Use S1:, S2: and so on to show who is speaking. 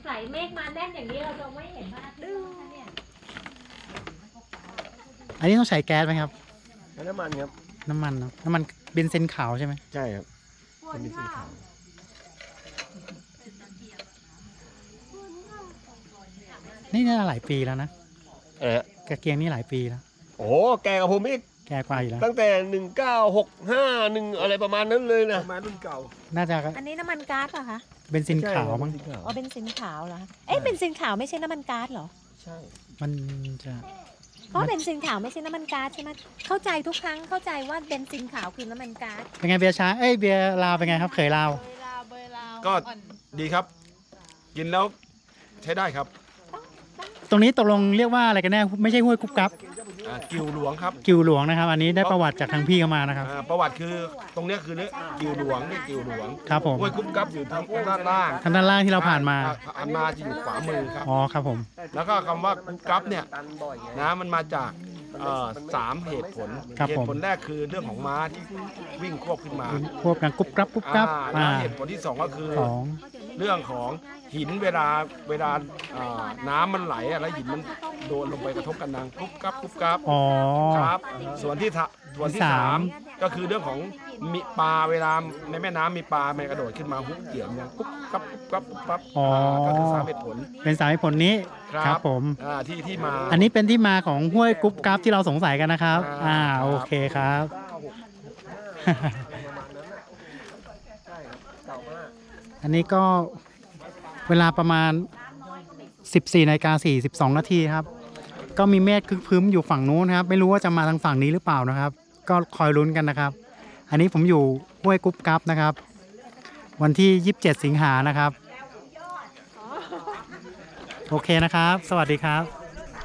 S1: ใส่เมฆมาแน่นอย่างนี้เราจะไม่เห็นพระอาทิตย์นะคะเนี่ย
S2: อันนี้ต้องใช้แก๊สไหมครับ
S3: น้ำมันครับ
S2: น้ำมันเนาะน้ำมันเบนซินขาวใช่ไหม
S3: ใช่ครับเป็นสีขาว
S2: นี่น่าหลายปีแล้วนะ
S3: ะ
S2: กระเกียงนี่หลายปีแล้ว
S3: โอ้แกกับผมอีก
S2: แก่กว่าอยู่แล้ว
S3: ตั้งแต่1965อะไรประมาณนั้นเลยนะประมาณรุ่นเก่า
S2: น่าจะ
S1: อันนี้น้ำมันก๊าซเหรอคะ
S2: เบนซินขาวมั้ง
S1: อ๋อเบนซินขาวเหรอคะเอ๊ะเบนซินขาวไม่ใช่น้ำมันก๊าซเหรอ
S3: ใช่
S2: มันจะ
S1: เพราะเบนซินขาวไม่ใช่น้ำมันก๊าซใช่ไหมเข้าใจทุกครั้งเข้าใจว่าเบนซินขาวคือน้ำมันก๊าซ
S2: เป็นไงเบียร์ช้างเอ้ยเบียร์ลาวเป็นไงครับเคยลาว
S4: ก็ดีครับ กินแล้วใช้ได้ครับ
S2: ตรงนี้ตกลงเรียกว่าอะไรกันแน่ไม่ใช่ห้วยกุ๊บกับ
S4: กิวหลวงครับ
S2: กิวหลวงนะครับ อันนี้ได้ประวัติจากทางพี่เข้ามานะครับ
S4: ประวัติคือตรงเนี้ยคือเนี่ยกิวหลวงนี่กิวหลวง
S2: ครับผม
S4: ห้วยกุ้มกับอยู่ทางด้านล่าง
S2: ทางด้านล่างที่เราผ่านมา
S4: อันมาจะอยู่ขวามือครับ
S2: อ๋อครับผม
S4: แล้วก็คำว่ากุ้มกับเนี่ยนะมันมาจาก3 เหตุผล
S2: ครับ
S4: เห
S2: ผ
S4: ตุ
S2: ม
S4: ผลแรกคือเรื่องของม้าที่วิ่งควบขึ้นมา
S2: ควบกันกุ๊บกับกุ๊บกับ
S4: แล้วเหตุผลที่ 2 ก็คือ
S2: ของ
S4: เรื่องของหินเวลาน้ำมันไหลอะแล้วหินมันโดนลงไปกระทบกันดังกุ๊บกับกุ๊บกับ
S2: อ๋อ
S4: ครับส่วนที่สามก็คือเรื่องของมีปลาเวลาในแม่น้ำมีปลามันกระโดดขึ้นมาฮุบเกี่ยวเนี่ยกุ๊บกับกุ๊บกับกุ๊บกับ
S2: อ๋อ
S4: ก็คือ3 เหตุผล
S2: เป็นสาเหตุผลนี้ ครับผม
S4: ที่มา
S2: อันนี้เป็นที่มาของห้วยกุ๊บกับที่เราสงสัยกันนะครับ โอเคครับ อันนี้ก็เวลาประมาณ 14:42 นาทีครับ ก็มีเมฆครึ้มพรึ้มอยู่ฝั่งนู้นครับ ไม่รู้ว่าจะมาทางฝั่งนี้หรือเปล่านะครับ ก็คอยลุ้นกันนะครับ อันนี้ผมอยู่ห้วยกุ๊บกับนะครับ วันที่ 27 สิงหานะครับ โอเคนะครับ สวัสดีครับ